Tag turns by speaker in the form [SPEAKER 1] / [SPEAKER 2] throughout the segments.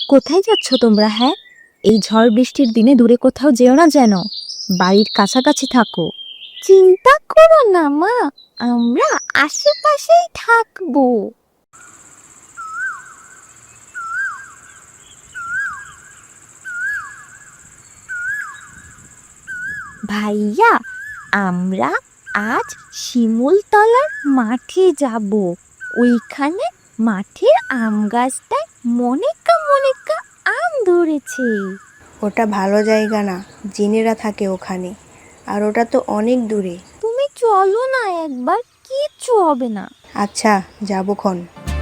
[SPEAKER 1] কোথায় যাচ্ছ তোমরা? হ্যাঁ, এই ঝড় বৃষ্টির দিনে দূরে কোথাও যেও না যেন, বাড়ির কাছাকাছি থাকো। চিন্তা করো না মা, আমরা আশেপাশেই থাকবো। ভাইয়া, আমরা আজ শিমুলতলার মাঠে যাব। ওইখানে মাঠের আম গাছটায় মনিকা মনিকা আম ধরেছে।
[SPEAKER 2] ওটা ভালো জায়গা না, জিনেরা থাকে ওখানে, আর ওটা তো অনেক দূরে।
[SPEAKER 1] তুমি চলো না একবার, কিচ্ছু হবে না।
[SPEAKER 2] আচ্ছা, যাবো খন।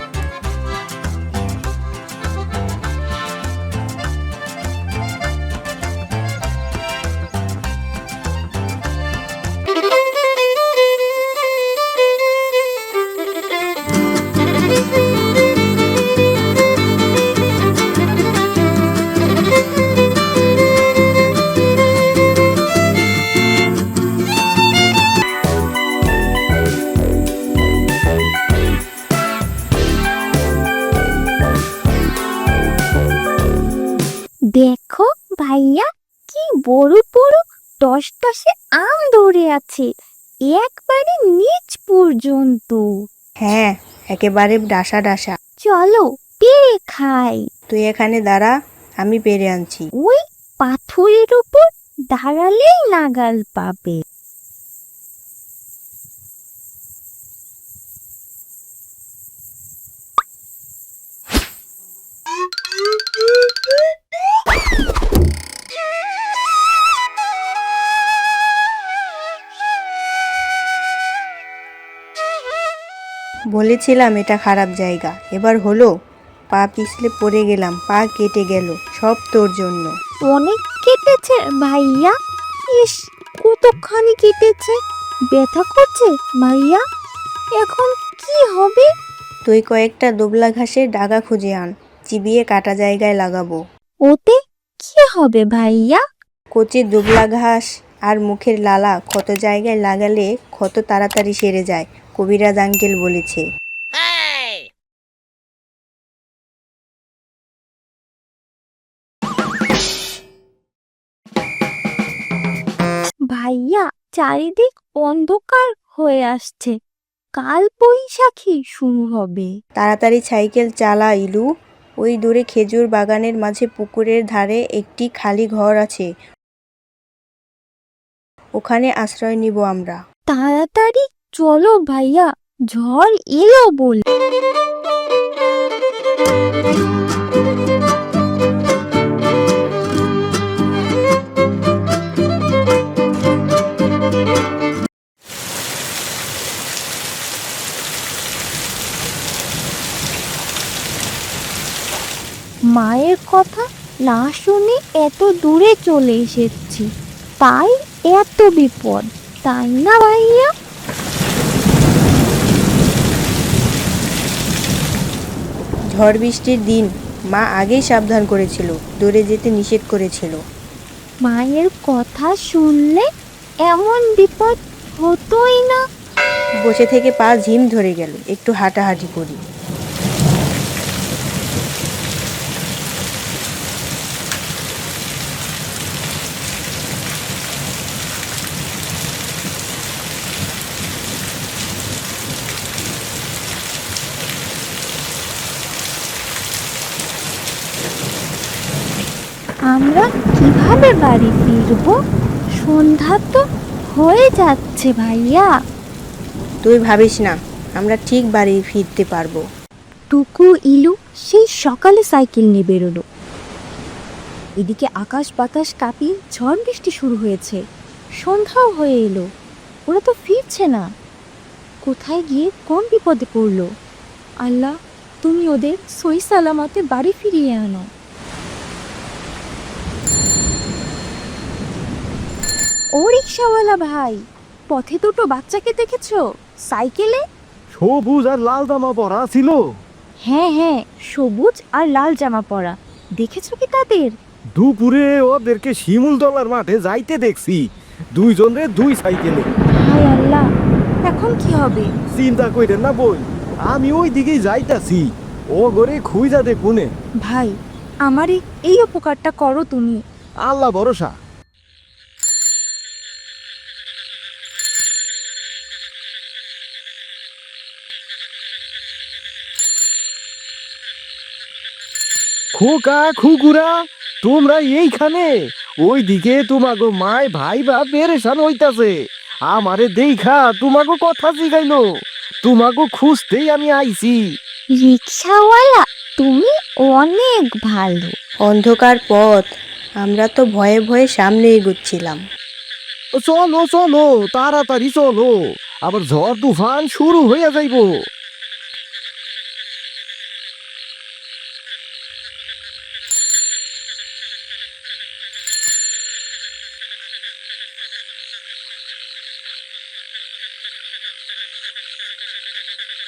[SPEAKER 1] দেখো ভাইয়া, কি বড় বড় টসটসে আম ধরে আছে, একবারে নিচ পর্যন্ত।
[SPEAKER 2] হ্যাঁ, একেবারে ডাসা ডাসা।
[SPEAKER 1] চলো পেরে খাই।
[SPEAKER 2] তুই এখানে দাঁড়া, আমি পেরে আনছি।
[SPEAKER 1] ওই পাথরের উপর দাঁড়ালেই নাগাল পাবে।
[SPEAKER 2] বলেছিলাম এটা খারাপ জায়গা, এবার হলো। পা পিছলে পড়ে গেলাম, পা কেটে গেল, সব তোর জন্য।
[SPEAKER 1] অনেক কেটেছে ভাইয়া? ইস, কতখানি কেটেছে, ব্যথা করছে ভাইয়া। এখন কি হবে?
[SPEAKER 2] তুই কয়েকটা দোবলা ঘাসের ডাগা খুঁজে আন, চিবিয়ে কাটা জায়গায় লাগাবো।
[SPEAKER 1] ওতে কি হবে ভাইয়া?
[SPEAKER 2] কচি দুবলা ঘাস আর মুখের লালা ক্ষত জায়গায় লাগালে ক্ষত তাড়াতাড়ি সেরে যায়, কবিরাজ আঙ্কেল বলেছে।
[SPEAKER 1] ভাইয়া, চারিদিক অন্ধকার হয়ে আসছে, কাল বৈশাখী শুরু হবে।
[SPEAKER 2] তাড়াতাড়ি সাইকেল চালা ইলু। ওই দূরে খেজুর বাগানের মাঝে পুকুরের ধারে একটি খালি ঘর আছে, ওখানে আশ্রয় নিব আমরা।
[SPEAKER 1] তাড়াতাড়ি চলো ভাইয়া, ঝড় এলো বলে। মায়ের কথা না শুনে এত দূরে চলে এসেছি, তাই এত বিপদ, তাই না ভাইয়া?
[SPEAKER 2] ঝড় বৃষ্টির দিন মা আগেই সাবধান করেছিল, দূরে যেতে নিষেধ করেছিল।
[SPEAKER 1] মায়ের কথা শুনলে এমন বিপদ হতোই না।
[SPEAKER 2] বসে থেকে পা ঝিম ধরে গেল, একটু হাঁটাহাঁটি করি।
[SPEAKER 1] আমরা কিভাবে বাড়ি ফিরবো? সন্ধ্যা তো হয়ে যাচ্ছে ভাইয়া।
[SPEAKER 2] তুই ভাবিস না, আমরা ঠিক বাড়ি ফিরতে পারবো।
[SPEAKER 1] টুকু ইলু সেই সকালে সাইকেল নিয়ে বেরোলো। এদিকে আকাশ বাতাস কাঁপিয়ে ঝড় বৃষ্টি শুরু হয়েছে, সন্ধ্যাও হয়ে এলো। ওরা তো ফিরছে না, কোথায় গিয়ে কোন বিপদে পড়লো? আল্লাহ, তুমি ওদের সই সালামতে বাড়ি ফিরিয়ে আনো। ও রিক্সাওয়ালা ভাই, পথে দুটো বাচ্চাকে দেখেছো সাইকেলে?
[SPEAKER 3] সবুজ আর লাল জামা পরা ছিল।
[SPEAKER 1] হ্যাঁ হ্যাঁ, সবুজ আর লাল জামা পরা। দেখেছো কি তাদের?
[SPEAKER 3] দুপুরে ওদেরকে শিমুলতলার মাঠে যাইতে দেখছি, দুইজনে দুই সাইকেলে।
[SPEAKER 1] হায় আল্লাহ, এখন কি হবে?
[SPEAKER 3] চিন্তা কইরেন না বই, আমি ওই দিকেই যাইতাছি, ও ঘরে খুঁজা দেখুনে।
[SPEAKER 1] ভাই, আমার এই উপকারটা করো তুমি।
[SPEAKER 3] আল্লাহ ভরসা। খোকা খুকুরা, তোমরা এইখানে? ওইদিকে তোমাগো মায় ভাই বা পেরেশান হইতাছে। আমারে দেখা তোমাগো কথা জিগাইলো, তোমাগো খুঁজতেই আমি আইছি।
[SPEAKER 1] রিক্সাওয়ালা, তুমি অনেক ভালো।
[SPEAKER 2] অন্ধকার পথ, আমরা তো ভয়ে ভয়ে সামনে এগুচ্ছিলাম।
[SPEAKER 3] চলো চলো, তাড়াতাড়ি চলো, আবার ঝড় তুফান শুরু হইয়া যাইবো।